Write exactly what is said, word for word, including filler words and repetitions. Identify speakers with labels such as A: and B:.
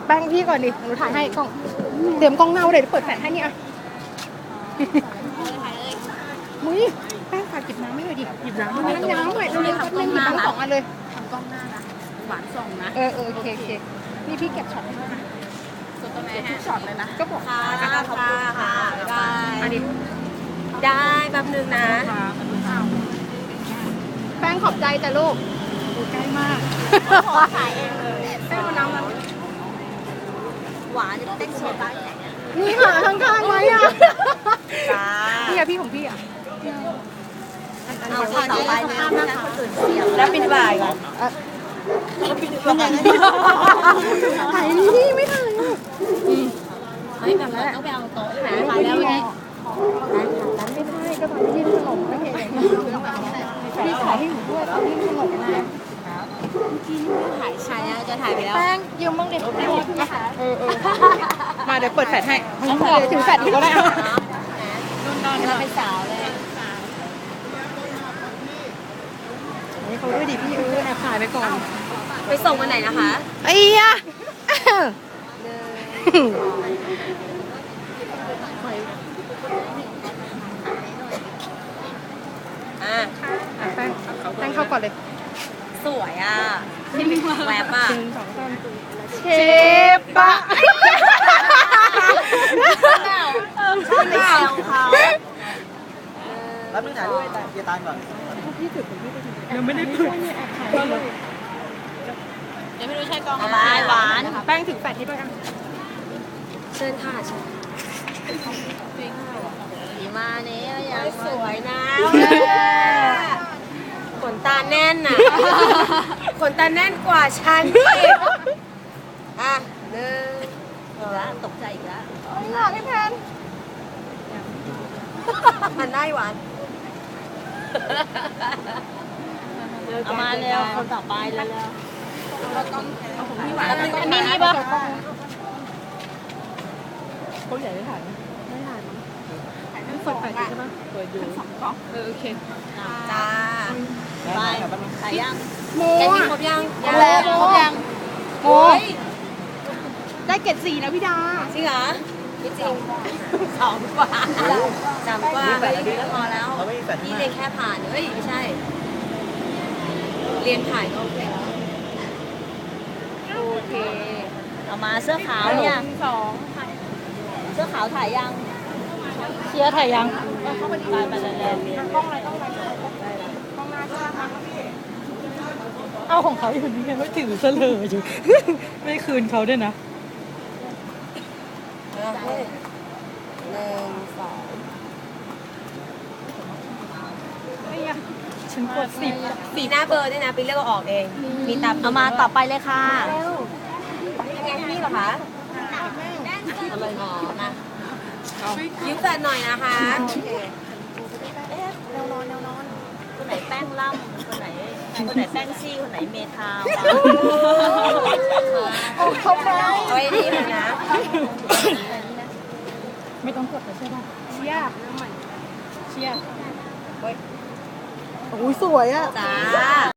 A: แป้งพี่ก่อนดิหนูถ่ายให้กล้องเตรียมกล้องหน้าเลยเดี๋ยวเปิดแฟลชให้นี่อ่ะมุ้ยแป้งฝากหยิบน้ำให้หน่อยดิหยิบน้ำให้น้ำหน่อยเร็วๆแป๊บนึงหยิบน้ำสองอันเลย
B: ทำกล้องหน้านะหวานส่งนะ
A: เออเออโอเคโอเคนี่พี่เก็บช็อตให้ด้วยนะ
B: ส่วนตัวแม่ทุกช็อตเลยนะ
A: ก็บอก
B: ค่ะค่ะค่ะได้
A: อันนี้
B: ได้แป๊บนึงนะ
A: แป้งขอบใจจ้ะลูกดูใกล้มาก
B: ขอถ่ายเองเลยแป้งน้ำมันหวานจะเต็กโซดาแข็ง
A: นี่ค่ะข้างๆไว้อ่ะ
B: จ้า
A: พี่อะพี่ของพี่อะ
B: เอาต่อไปนะคนอื่นเสียงแล้วปิดบ่ายก่อน
A: เป็นอย่างนั้นถ่ายนี่พี่ไม่ถ่ายอ่ะ
B: ไม่แบบนั้นต้องไปเอาโต๊ะหาถ่ายแล้ววันนี้
A: ร้านไม่ได้ก็ตอนที่ยื่นขนมไม่เห็นอย่างนี้พี่ถ่ายให้หนูด้วยตอนที่ยื่นขนมนะ
B: กินถ่ายถ่ายแล้วจะถ่ายไปแล้ว
A: แป้งยืมบ้างเด็กเออเออมาเดี๋ยวเปิดแฟลชให้เดี๋ยวถือแฟลชอีกก็ได้
B: นุ่นนอนเราเป็นสาวเลย
A: นี่เขาด้วยดิพี่เออแอบถ่ายไปก่อน
B: ไปส่งวันไหนนะคะ
A: ไอ้ยะ
B: อ่ะ
A: แป้งแป้งเข้าก่อนเลย
B: สวยอ่ะแวบอ่ะ
A: เชฟปะ
B: ไม่ใช่ของเขา
C: แล้วมึงถ่ายรูปให้เจตานก่อน
A: ยังไม่ได้เปิด
B: ยังไม่รู้ใช่กองอะไรหวาน
A: แป้งถึงแปดที่ด้วยอ่ะ
B: เชิญค่ะเชิญดีมาเนี้ยยังสวยนะขนตาแน่นน่ะขนตาแน่นกว่าฉันอีกอ่ะหนึ่งอีกแล้วตกใจอีกแล้ว
A: หลอกให้แทน
B: มันได้หวานเอามาเร็วคนต่อไปเร็วอันนี้นี่ปะ
A: เขาใหญ่ได้ถ่ายไหมไม่ถ่ายมั้งถ่ายไม่เปิดแฟลชใช่ไหมเปิดอยู่สองกล้องเออโอเค
B: จ้าไปถ่ายยัง
A: โม
B: แกกินครบยังยังครบยัง
A: โอ้ยได้เกรดสี่นะพี่ดา
B: จริงเหรอไม่จริงสองกว่าสามกว่าไปเรียนพอแล้วนี่เรียนแค่ผ่านเฮ้ยไม่ใช่เรียนผ่านก็โอเคแล้วโอเคเอามาเสื้อขาวเนี่ย
A: สอง
B: เสื้อขาวถ่ายยัง
A: เชียร์ถ่ายยัง
B: เข้าไปถ่ายมาแล้ว
A: กล้องอะไรกล้องอะไรกล้องหน้าใช่ไหมเอาของเขาอยู่นี่ไงไม่ถือเสลออยู่ไม่คืนเขาด้วยนะ
B: หนึ่งสอง
A: ฉันกดสิบ
B: สีหน้าเบอร์ด้วยนะไปเลือกออกเองมีตามเอามาต่อไปเลยค่ะยังไงนี่เหรอคะทำไมหอมนะยิ้มแฟนหน่อยนะคะเอ๊ะแนวนอนแนวนอนคนไหนแป้งล่ำคนไหนคนไหนแป้งซี่คนไหนเมทาว
A: เขาไป
B: เอาไอ้นี่เลยนะ
A: ไม่ต้องกดใช่ป่ะเชียร์เชียร์โอ้ยสวยอ่ะ
B: จ้า